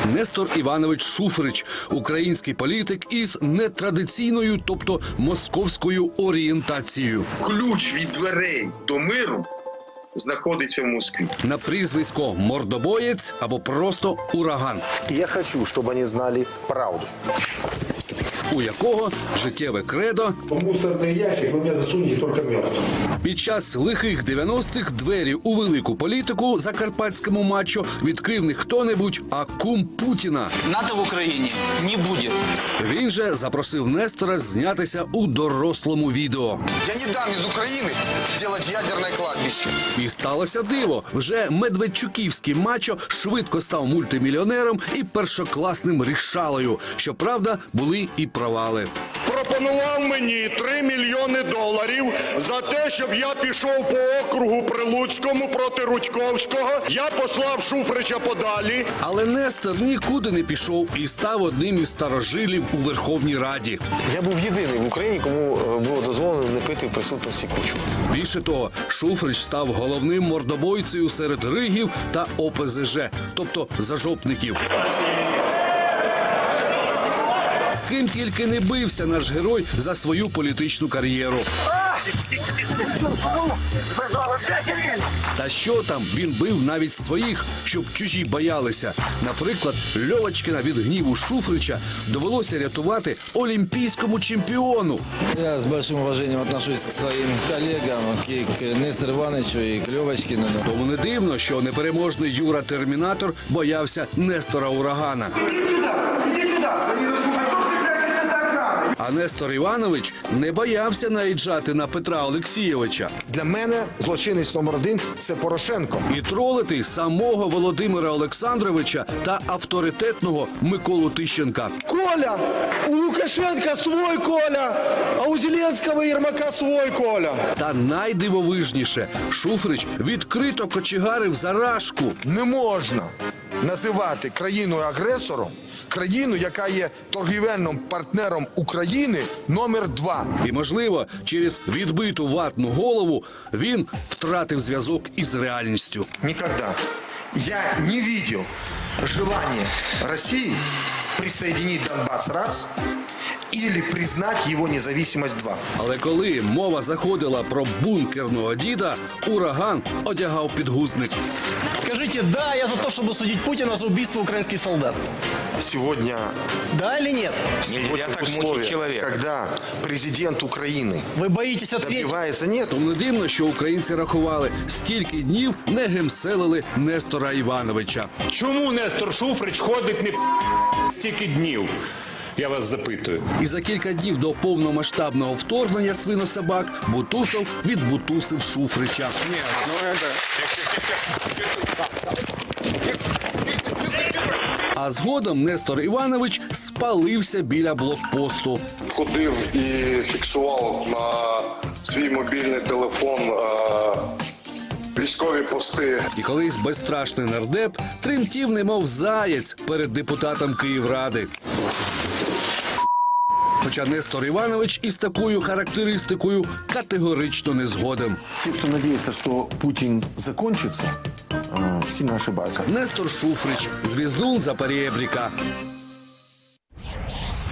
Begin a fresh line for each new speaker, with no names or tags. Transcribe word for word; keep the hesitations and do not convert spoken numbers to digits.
Нестор Іванович Шуфрич – український політик із нетрадиційною, тобто московською орієнтацією.
Ключ від дверей до миру знаходиться в Москві.
На прізвисько «Мордобоєць» або просто «Ураган»,
Я хочу, чтобы они знали правду.
у якого життєве кредо
В мусорный ящик вы меня засунете только мертвым.
під час лихих дев'яностих двері у велику політику закарпатському мачо відкрив не хто-небудь, а кум Путіна.
НАТО в Україні не буде.
Він же запросив Нестора знятися у дорослому відео.
Я не дам из Украины делать ядерное кладбище.
І сталося диво. Вже медведчуківський мачо швидко став мультимільйонером і першокласним рішалою. Щоправда, були і провали.
Пропонував мені три мільйони доларів за те, щоб я пішов по округу Прилуцькому проти Рудьковського. Я послав Шуфрича подалі.
Але Нестор нікуди не пішов і став одним із старожилів у Верховній Раді.
Я був єдиний в Україні, кому е, було дозволено не пити в присутності Кучми.
Більше того, Шуфрич став головним мордобойцею серед ригів та О Пе Зе Же, тобто зажопників. З ким тільки не бився наш герой за свою політичну кар'єру. Та що там, він бив навіть своїх, щоб чужі боялися. Наприклад, Льовочкіна від гніву Шуфрича довелося рятувати олімпійському чемпіону.
Я с большим уважением отношусь к своим коллегам, и к Нестору Ивановичу, и к Левочкину.
Тому не дивно, що непереможний Юра Термінатор боявся Нестора Урагана. А Нестор Іванович не боявся наїжджати на Петра Олексійовича
Для мене злочинець номер один – це Порошенко.
і тролити самого Володимира Олександровича та авторитетного Миколу Тищенка.
Коля! У Лукашенка свой Коля, а у Зеленского и Ермака свой Коля.
Та найдивовижніше, Шуфрич відкрито кочегарив за Рашку.
Не можна називати країною агресором країну, яка є торгівельним партнером України номер два.
І, можливо, через відбиту ватну голову він втратив зв'язок із реальністю.
Никогда я не видел желания России присоединить Донбасс раз или признать его независимость два.
Але коли мова заходила про бункерного діда, Ураган одягав підгузник.
Скажите, да, я за то, чтобы судить Путина за убийство украинских солдат.
Сегодня,
Да или нет?
сегодня в условиях, когда президент Украины
Вы боитесь ответить?
добивается, нет,
Тому не дивно, що українці рахували, скільки днів не гемселили Нестора Івановича.
Чому Нестор Шуфрич ходить не стільки днів? Я вас запитую.
І за кілька днів до повномасштабного вторгнення свинособак Бутусов відбутусив Шуфрича. А згодом Нестор Іванович спалився біля блокпосту.
Ходив і фіксував на свій мобільний телефон військові пости.
І колись безстрашний нардеп тремтів немов заєць перед депутатом Київради. Хоча Нестор Іванович із такою характеристикою категорично не згоден.
Те, кто надеется, что Путин закончится, э, сильно ошибаются.
Нестор Шуфрич, звіздун Запорєбріка.